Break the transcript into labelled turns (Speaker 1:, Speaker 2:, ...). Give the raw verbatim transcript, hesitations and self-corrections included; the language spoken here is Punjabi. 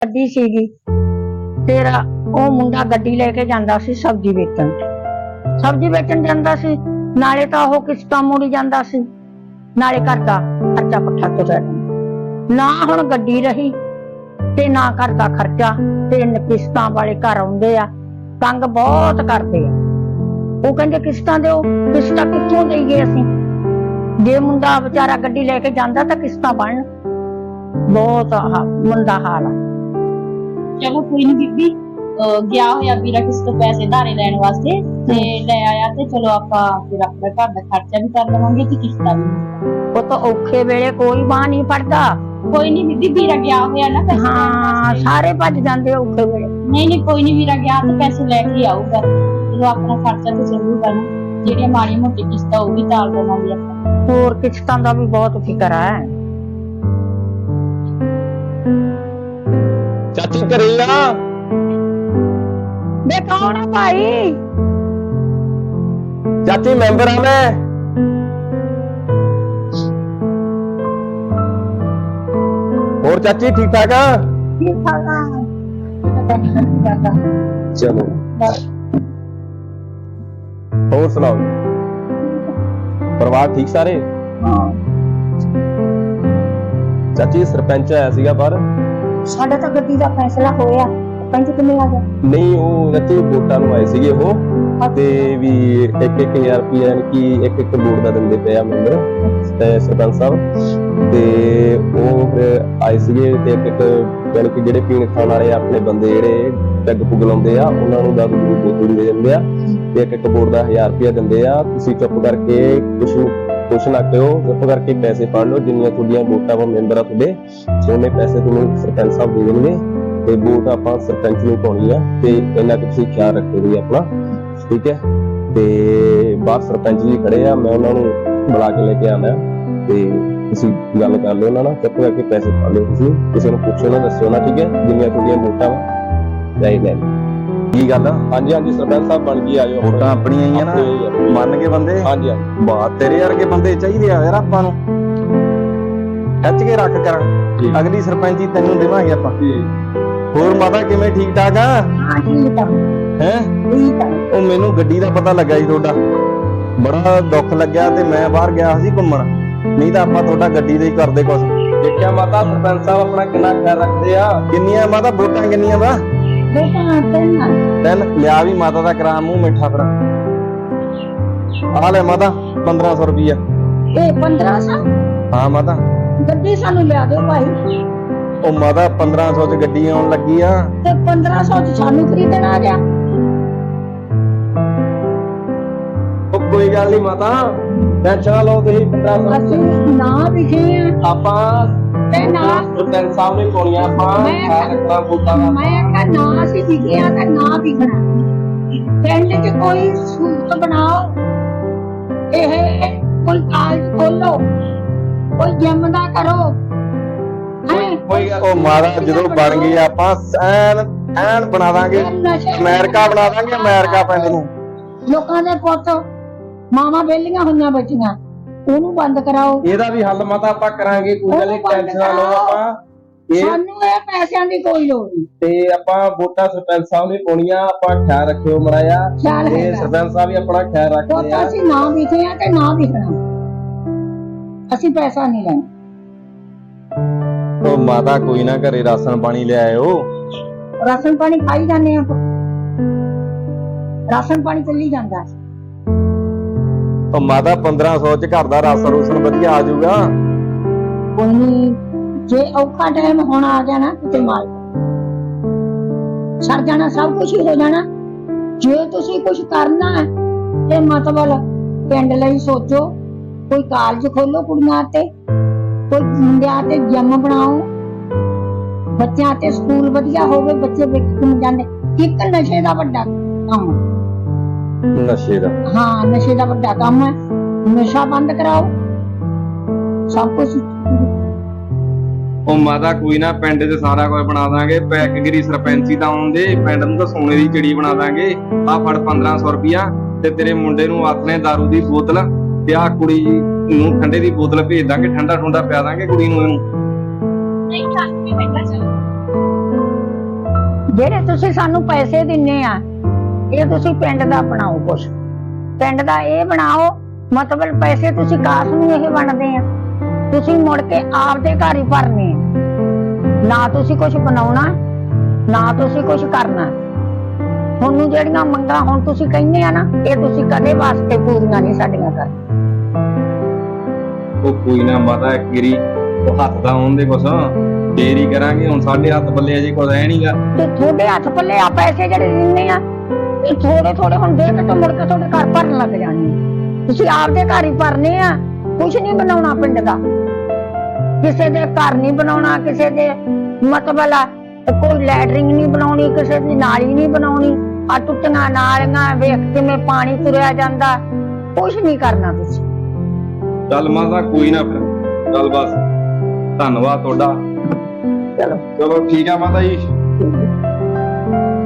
Speaker 1: ਗੱਡੀ ਸੀਗੀ। ਫਿਰ ਉਹ ਮੁੰਡਾ ਗੱਡੀ ਲੈ ਕੇ ਜਾਂਦਾ ਸੀ ਸਬਜ਼ੀ ਵੇਚਣ। ਸਬਜ਼ੀ ਵੇਚਣ ਜਾਂਦਾ ਸੀ, ਨਾਲੇ ਤਾਂ ਉਹ ਕਿਸ਼ਤਾਂ ਮੋੜੀ ਜਾਂਦਾ ਸੀ, ਨਾਲੇ ਘਰ ਦਾ ਖਰਚਾ ਪੱਠਾ ਤੁਰਿਆ ਜਾਂਦਾ। ਨਾ ਹੁਣ ਗੱਡੀ ਰਹੀ ਤੇ ਨਾ ਘਰ ਦਾ ਖਰਚਾ, ਤੇ ਕਿਸ਼ਤਾਂ ਵਾਲੇ ਘਰ ਆਉਂਦੇ ਆ, ਤੰਗ ਬਹੁਤ ਕਰਦੇ ਆ। ਉਹ ਕਹਿੰਦੇ ਕਿਸ਼ਤਾਂ ਦਿਓ, ਕਿਸ਼ਤਾਂ ਕਿੱਥੋਂ ਦੇਈਏ ਅਸੀਂ? ਜੇ ਮੁੰਡਾ ਵਿਚਾਰਾ ਗੱਡੀ ਲੈ ਕੇ ਜਾਂਦਾ ਤਾਂ ਕਿਸ਼ਤਾਂ ਬਣਨ। ਬਹੁਤ ਮੰਦਾ ਹਾਲ ਆ।
Speaker 2: ਚਲੋ ਕੋਈ ਨੀ ਬੀਬੀ, ਗਿਆ ਹੋਇਆ ਵੀਰਾ ਕਿਸੇ ਤੋਂ ਪੈਸੇ ਧਾਰੇ ਲੈਣ ਵਾਸਤੇ ਤੇ ਲੈ ਆਇਆ, ਤੇ ਚਲੋ ਆਪਾਂ ਫਿਰ ਆਪਣਾ ਘਰ ਦਾ ਖਰਚਾ ਵੀ ਕਰ ਲਵਾਂਗੇ ਤੇ ਕਿਸ਼ਤਾਂ ਵੀ।
Speaker 1: ਉਹ ਤਾਂ ਔਖੇ ਵੇਲੇ ਕੋਈ ਬਾਂਹ ਨਹੀਂ ਫੜਦਾ।
Speaker 2: ਕੋਈ ਨੀ ਬੀਬੀ, ਵੀਰਾ ਗਿਆ ਹੋਇਆ ਨਾ ਪੈਸੇ।
Speaker 1: ਹਾਂ, ਸਾਰੇ ਭੱਜ ਜਾਂਦੇ ਔਖੇ ਵੇਲੇ।
Speaker 2: ਨਹੀਂ ਨਹੀਂ ਕੋਈ ਨੀ, ਵੀਰਾ ਗਿਆ ਤੇ ਪੈਸੇ ਲੈ ਕੇ ਆਊਗਾ। ਚਲੋ ਆਪਣਾ ਖਰਚਾ ਤੇ ਚੱਲੂਗਾ ਨਾ, ਜਿਹੜੀਆਂ ਮਾੜੀ ਮੋਟੀ ਕਿਸ਼ਤਾਂ ਉਹ ਵੀ ਤਾਲ ਦੇਵਾਂਗੇ ਆਪਾਂ।
Speaker 1: ਹੋਰ ਕਿਸ਼ਤਾਂ ਦਾ ਵੀ ਬਹੁਤ ਫਿਕਰ ਹੈ।
Speaker 3: ਚਾਚੀ ਘਰੇ ਆ?
Speaker 1: ਬੇ ਕੌਣ ਆ ਭਾਈ?
Speaker 3: ਚਾਚੀ ਮੈਂਬਰ ਆ ਮੈਂ। ਹੋਰ ਚਾਚੀ ਠੀਕ ਠਾਕ ਆ?
Speaker 1: ਠੀਕ ਠਾਕ ਆ।
Speaker 3: ਚਲੋ ਹੋਰ ਸੁਣਾਓ, ਪਰਿਵਾਰ ਠੀਕ ਸਾਰੇ?
Speaker 1: ਹਾਂ,
Speaker 3: ਚਾਚੀ ਸਰਪੰਚ ਆਇਆ ਸੀਗਾ ਬਾਹਰ।
Speaker 1: ਸਾਡਾ ਤਾਂ ਗੱਡੀ ਦਾ ਫੈਸਲਾ ਹੋਇਆ। ਪੰਜ ਕਿੰਨੇ ਆ ਗਿਆ?
Speaker 3: ਨਹੀਂ, ਉਹ ਚਾਚੀ ਵੋਟਾਂ ਨੂੰ ਆਏ ਸੀਗੇ ਉਹ, ਤੇ ਵੀ ਇੱਕ ਇੱਕ ਹਜ਼ਾਰ ਰੁਪਇਆ ਯਾਨੀ ਕਿ ਇੱਕ ਇੱਕ ਵੋਟ ਦਾ ਦਿੰਦੇ ਪਏ ਆ ਮੈਂਬਰ ਤੇ ਸਰਪੰਚ ਸਾਹਿਬ। ਤੇ ਉਹ ਫਿਰ ਆਏ ਸੀਗੇ ਤੇ ਇੱਕ ਇੱਕ ਯਾਨੀ ਕਿ ਜਿਹੜੇ ਪੀਣ ਖਾਣ ਵਾਲੇ ਆਪਣੇ ਬੰਦੇ ਜਿਹੜੇ ਪੈਗ ਪੁੱਗ ਲਾਉਂਦੇ ਆ, ਉਹਨਾਂ ਨੂੰ ਦਾਰੂ ਦੀ ਬੋਤਲ ਦੇ ਦਿੰਦੇ ਆ ਤੇ ਇੱਕ ਇੱਕ ਵੋਟ ਦਾ ਹਜ਼ਾਰ ਰੁਪਇਆ ਦਿੰਦੇ ਆ। ਤੁਸੀਂ ਚੁੱਪ ਕਰਕੇ ਕੁਛ ਕੁਛ ਨਾ ਕਹੋ, ਚੁੱਪ ਕਰਕੇ ਪੈਸੇ ਫੜ ਲਓ। ਜਿੰਨੀਆਂ ਤੁਹਾਡੀਆਂ ਵੋਟਾਂ ਵਾ ਮੈਂਬਰ ਆ ਤੁਹਾਡੇ, ਉਹਨੇ ਪੈਸੇ ਤੁਹਾਨੂੰ ਸਰਪੰਚ ਸਾਹਿਬ ਦੇ ਦੇਣਗੇ ਤੇ ਵੋਟ ਆਪਾਂ ਸਰਪੰਚ ਨੂੰ ਪਾਉਣੀ ਆ। ਤੇ ਇਹਨਾਂ ਕੁ ਤੁਸੀਂ ਖਿਆਲ ਰੱਖੋ ਜੀ ਆਪਣਾ, ਠੀਕ ਹੈ? ਤੇ ਬਾਹਰ ਸਰਪੰਚ ਜੀ ਖੜੇ ਆ, ਮੈਂ ਉਹਨਾਂ ਨੂੰ ਬੁਲਾ ਕੇ ਲੈ ਕੇ ਆਣਾ ਤੇ ਤੁਸੀਂ ਗੱਲ ਕਰ ਲਿਓ ਉਹਨਾਂ ਨਾਲ। ਚੁੱਪ ਕਰਕੇ ਪੈਸੇ ਫੜ ਲਿਓ, ਤੁਸੀਂ ਕਿਸੇ ਨੂੰ ਪੁੱਛੋ ਨਾ, ਦੱਸਿਓ ਨਾ, ਠੀਕ ਹੈ? ਜਿੰਨੀਆਂ ਤੁਹਾਡੀਆਂ ਵੋਟਾਂ ਵਾ ਲੈ ਲੈ। ਕੀ ਗੱਲ ਆ? ਹਾਂਜੀ ਹਾਂਜੀ ਸਰਪੰਚ ਸਾਹਿਬ ਬਣ ਗਈ, ਆਜੋ।
Speaker 4: ਵੋਟਾਂ ਆਪਣੀਆਂ ਹੀ ਆ ਨਾ, ਮੰਨ ਕੇ ਬੰਦੇ।
Speaker 3: ਹਾਂਜੀ ਹਾਂਜੀ,
Speaker 4: ਬਾਤ ਤੇਰੇ ਵਰਗੇ ਬੰਦੇ ਚਾਹੀਦੇ ਆ ਯਾਰ ਆਪਾਂ ਨੂੰ। ਖਿੱਚ ਕੇ ਰੱਖ ਕਰਾਂ, ਅਗਲੀ ਸਰਪੰਚੀ ਤੈਨੂੰ ਦੇਵਾਂਗੇ ਆਪਾਂ। ਹੋਰ ਮਾਤਾ ਕਿਵੇਂ, ਠੀਕ ਠਾਕ ਆ?
Speaker 1: ਹਾਂ ਠੀਕ ਆ।
Speaker 4: ਹੈ
Speaker 1: ਠੀਕ ਆ।
Speaker 4: ਉਹ ਮੈਨੂੰ ਗੱਡੀ ਦਾ ਪਤਾ ਲੱਗਾ ਜੀ ਤੁਹਾਡਾ, ਬੜਾ ਦੁੱਖ ਲੱਗਿਆ ਤੇ ਮੈਂ ਬਾਹਰ ਗਿਆ ਸੀ ਘੁੰਮਣ, ਨਹੀਂ ਤਾਂ ਆਪਾਂ ਤੁਹਾਡਾ ਗੱਡੀ ਦਾ ਹੀ ਕਰਦੇ ਕੁਛ।
Speaker 3: ਦੇਖਿਆ ਮਾਤਾ ਸਰਪੰਚ ਸਾਹਿਬ ਆਪਣਾ ਕਿੰਨਾ ਖਿਆਲ ਰੱਖਦੇ ਆ।
Speaker 4: ਕਿੰਨੀਆਂ ਮਾਤਾ ਵੋਟਾਂ ਕਿੰਨੀਆਂ ਵਾ?
Speaker 1: ਬੇਟਾ ਤੈਨੂੰ
Speaker 4: ਤਿੰਨ ਲਿਆ ਵੀ ਮਾਤਾ ਦਾ ਕਰਾ ਮੂੰਹ ਮਿੱਠਾ ਫਿਰ। ਆ ਲੈ ਮਾਤਾ ਪੰਦਰਾਂ ਸੌ ਰੁਪਈਆ।
Speaker 1: ਇਹ ਪੰਦਰਾਂ ਸੌ?
Speaker 4: ਹਾਂ ਮਾਤਾ।
Speaker 1: ਗੱਡੀ ਸਾਨੂੰ ਲਿਆ ਦਿਓ ਭਾਈ।
Speaker 4: ਉਹ ਮਾਤਾ ਪੰਦਰਾਂ ਸੌ ਚ ਗੱਡੀ ਆਉਣ ਲੱਗੀ ਆ
Speaker 1: ਤੇ ਪੰਦਰਾਂ ਸੌ ਚ ਸਾਨੂੰ ਖਰੀਦਣ ਆ ਗਿਆ।
Speaker 3: ਉਹ ਕੋਈ ਗੱਲ ਨਹੀਂ ਮਾਤਾ, ਟੈਨਸ਼ਨ ਲਓ ਤੁਸੀਂ। ਪੰਦਰਾਂ ਸੌ
Speaker 1: ਅਸੀਂ ਨਾ ਵਿਖੇ ਆ
Speaker 3: ਆਪਾਂ
Speaker 1: ਤੇ ਨਾ
Speaker 3: ਸਰਪੰਚ ਸਾਹਿਬ ਨੇ ਪਾਉਣੀਆਂ। ਆਪਾਂ
Speaker 1: ਮੈਂ-
Speaker 3: ਖਿਆਲ ਰੱਖਣਾ ਵੋਟਾਂ ਦਾ।
Speaker 1: ਮੈਂ ਕਿਹਾ ਨਾ ਅਸੀਂ ਵਿਖੇ ਆ ਤੇ ਨਾ ਵਿਖਣਾ। ਪਿੰਡ ਚ ਕੋਈ ਸਹੂਲਤ ਬਣਾਓ, ਇਹ ਕੋਈ ਕਾਲਜ ਖੋਲੋ, ਕੋਈ ਜਿਮ ਦਾ ਕਰੋ।
Speaker 3: ਕੋਈ ਗੱਲ
Speaker 4: ਉਹ ਮਾਤਾ ਜਦੋਂ ਬਣ ਗਈ ਆਪਾਂ ਐਨ ਐਨ ਬਣਾ ਦਾਂਗੇ, ਅਮਰੀਕਾ ਬਣਾ ਦਾਂਗੇ, ਅਮਰੀਕਾ ਪਿੰਡ ਨੂੰ।
Speaker 1: ਲੋਕਾਂ ਦੇ ਪੁੱਤ ਮਾਵਾਂ ਵਿਹਲੀਆਂ ਹੋਈਆਂ ਬੱਚੀਆਂ, ਉਹਨੂੰ ਬੰਦ ਕਰਾਓ।
Speaker 3: ਇਹਦਾ ਵੀ ਹੱਲ ਮਾਤਾ ਆਪਾਂ ਕਰਾਂਗੇ, ਕੋਈ ਗੱਲ ਨਹੀਂ, ਟੈਨਸ਼ਨ ਨਾ ਲਓ। ਆਪਾਂ ਇਹ
Speaker 1: ਸਾਨੂੰ ਇਹ ਪੈਸਿਆਂ ਦੀ ਕੋਈ ਲੋੜ ਨਹੀਂ।
Speaker 3: ਤੇ ਆਪਾਂ ਵੋਟਾਂ ਸਰਪੰਚ ਸਾਹਿਬ ਨੇ ਪਾਉਣੀਆਂ। ਆਪਾਂ ਖਿਆਲ ਰੱਖਿਓ ਮੜਾਇਆ,
Speaker 1: ਖਿਆਲ
Speaker 3: ਤੇ
Speaker 1: ਹੈਗਾ।
Speaker 3: ਸਰਪੰਚ ਸਾਹਿਬ ਵੀ ਆਪਣਾ ਖਿਆਲ ਰੱਖਦੇ
Speaker 1: ਪੁੱਤ
Speaker 3: ਆ।
Speaker 1: ਅਸੀਂ ਨਾ ਵਿਖੇ ਆ ਤੇ ਨਾ ਵਿਖਣਾ, ਅਸੀਂ ਪੈਸਾ ਨਹੀਂ ਲੈਣਾ।
Speaker 4: ਉਹ ਮਾਤਾ ਕੋਈ ਨਾ, ਘਰੇ ਰਾਸ਼ਨ ਪਾਣੀ ਲੈ ਆਇਓ।
Speaker 1: ਰਾਸ਼ਨ ਪਾਣੀ ਖਾਈ ਜਾਂਦੇ ਆ, ਰਾਸ਼ਨ ਪਾਣੀ ਚੱਲੀ ਜਾਂਦਾ।
Speaker 4: ਉਹ ਮਾਤਾ ਪੰਦਰਾਂ ਸੌ ਚ ਘਰ ਦਾ ਰਾਸ਼ਨ ਰੂਸ਼ਨ ਵਧੀਆ ਆ ਜਾਊਗਾ।
Speaker 1: ਕੋਈ ਨਹੀਂ, ਜੇ ਔਖਾ ਟਾਈਮ ਹੋਣਾ ਆ ਗਿਆ ਨਾ ਕਿਤੇ ਮਾਲ ਸੜ ਜਾਣਾ, ਸਭ ਕੁਝ ਹੋ ਜਾਣਾ। ਜੇ ਤੁਸੀਂ ਕੁਝ ਕਰਨਾ ਹੈ ਤੇ ਮਤਲਬ ਪਿੰਡ ਲਈ ਸੋਚੋ, ਕੋਈ ਕਾਲਜ ਖੋਲੋ ਕੁੜੀਆਂ ਤੇ, ਕੋਈ ਮੁੰਡਿਆਂ ਤੇ ਜਿਮ ਬਣਾਓ, ਬੱਚਿਆਂ ਤੇ ਸਕੂਲ ਵਧੀਆ ਹੋਵੇ, ਬੱਚੇ ਵੇਖਣ ਜਾਂਦੇ। ਇੱਕ ਨਸ਼ੇ ਦਾ ਵੱਡਾ ਕੰਮ,
Speaker 4: ਨਸ਼ੇ ਦਾ?
Speaker 1: ਹਾਂ ਨਸ਼ੇ ਦਾ ਵੱਡਾ ਕੰਮ ਹੈ। ਨਸ਼ਾ ਬੰਦ ਕਰਾਓ, ਸਭ ਕੁਝ।
Speaker 5: ਉਹ ਮਾਤਾ ਕੋਈ ਨਾ, ਪਿੰਡ 'ਚ ਸਾਰਾ ਕੁਝ ਬਣਾ ਦਾਂਗੇ। ਪੈਕਗਰੀ ਸਰਪੰਚੀ ਤਾਂ ਆਉਂਦੇ, ਪਿੰਡ ਨੂੰ ਤਾਂ ਸੋਨੇ ਦੀ ਚਿੜੀ ਬਣਾ ਦਾਂਗੇ। ਆ ਫੜ ਪੰਦਰਾਂ ਸੌ ਰੁਪਇਆ ਤੇ ਤੇਰੇ ਮੁੰਡੇ ਨੂੰ ਆਥਣੇ ਦਾਰੂ ਦੀ ਬੋਤਲ ਤੇ ਆ ਕੁੜੀ ਨੂੰ ਠੰਡੇ ਦੀ ਬੋਤਲ ਭੇਜ ਦਾਂਗੇ। ਠੰਡਾ ਠੁੰਡਾ ਪਿਆ ਦਾਂਗੇ ਕੁੜੀ ਨੂੰ ਇਹਨੂੰ।
Speaker 2: ਨਹੀਂ, ਚੱਲ ਕੇ ਬੈਠਾ ਚੱਲ।
Speaker 1: ਜਿਹੜੇ ਤੁਸੀਂ ਸਾਨੂੰ ਪੈਸੇ ਦਿੰਨੇ ਆ ਇਹ ਤੁਸੀਂ ਪਿੰਡ ਦਾ ਬਣਾਓ ਕੁਛ, ਪਿੰਡ ਦਾ ਇਹ ਬਣਾਓ, ਮਤਲਬ ਪੈਸੇ ਤੁਸੀਂ ਕਾਸ ਨੂੰ ਇਹ ਬਣਦੇ ਆ, ਤੁਸੀਂ ਮੁੜ ਕੇ ਆਪਦੇ ਘਰ ਹੀ ਭਰਨੇ ਆ, ਨਾ ਤੁਸੀਂ ਕੁਛ ਬਣਾਉਣਾ ਨਾ ਤੁਸੀਂ ਕੁਛ ਕਰਨਾ। ਤੁਹਾਨੂੰ ਜਿਹੜੀਆਂ ਮੰਗਾਂ ਹੁਣ ਤੁਸੀਂ ਕਹਿੰਦੇ ਆ ਨਾ ਇਹ ਤੁਸੀਂ ਕਦੇ ਵਾਸਤੇ ਪੂਰੀਆਂ ਨਹੀਂ ਸਾਡੀਆਂ ਕਰ।
Speaker 5: ਉਹ ਕੋਈ ਨਾ ਮਾਤਾ ਇੱਕ ਗਰੀ ਉਹ ਹੱਥ ਦਾ ਆਉਣ ਦੇ ਕੁਛ ਫੇਰ ਹੀ ਕਰਾਂਗੇ। ਹੁਣ ਸਾਡੇ ਹੱਥ ਪੱਲੇ ਅਜੇ ਕੁਝ ਹੈ ਨਹੀਂਗਾ।
Speaker 1: ਤੇ ਤੁਹਾਡੇ ਹੱਥ ਪੱਲੇ ਆ ਪੈਸੇ ਜਿਹੜੇ ਦਿੰਦੇ ਆ ਇਹ ਥੋੜੇ ਥੋੜੇ ਹੁਣ ਦੇ ਕੇ ਤੇ ਮੁੜ ਕੇ ਤੁਹਾਡੇ ਘਰ ਭਰਨ ਲੱਗ ਜਾਣੇ। ਤੁਸੀਂ ਆਪਦੇ ਘਰ ਹੀ ਭਰਨੇ ਆ, ਕੁਛ ਨਹੀਂ ਬਣਾਉਣਾ ਪਿੰਡ ਦਾ, ਕਿਸੇ ਦੇ ਘਰ ਨਹੀਂ ਬਣਾਉਣਾ, ਕਿਸੇ ਦੇ ਮਤਲਬ ਆ ਕੋਈ ਲੈਟਰਿੰਗ ਨਹੀਂ ਬਣਾਉਣੀ, ਕਿਸੇ ਦੀ ਨਾਲੀ ਨਹੀਂ ਬਣਾਉਣੀ, ਆ ਟੁੱਟੀਆਂ ਨਾਲੀਆਂ ਵੇਖ ਕਿਵੇਂ ਪਾਣੀ ਤੁਰਿਆ ਜਾਂਦਾ, ਕੁਛ ਨਹੀਂ ਕਰਨਾ ਤੁਸੀਂ।
Speaker 5: ਚੱਲ ਮਾਤਾ ਕੋਈ ਨਾ ਫਿਰ ਚੱਲ ਬਸ ਧੰਨਵਾਦ ਤੁਹਾਡਾ।
Speaker 1: ਚਲੋ
Speaker 5: ਚਲੋ ਠੀਕ ਆ ਮਾਤਾ ਜੀ।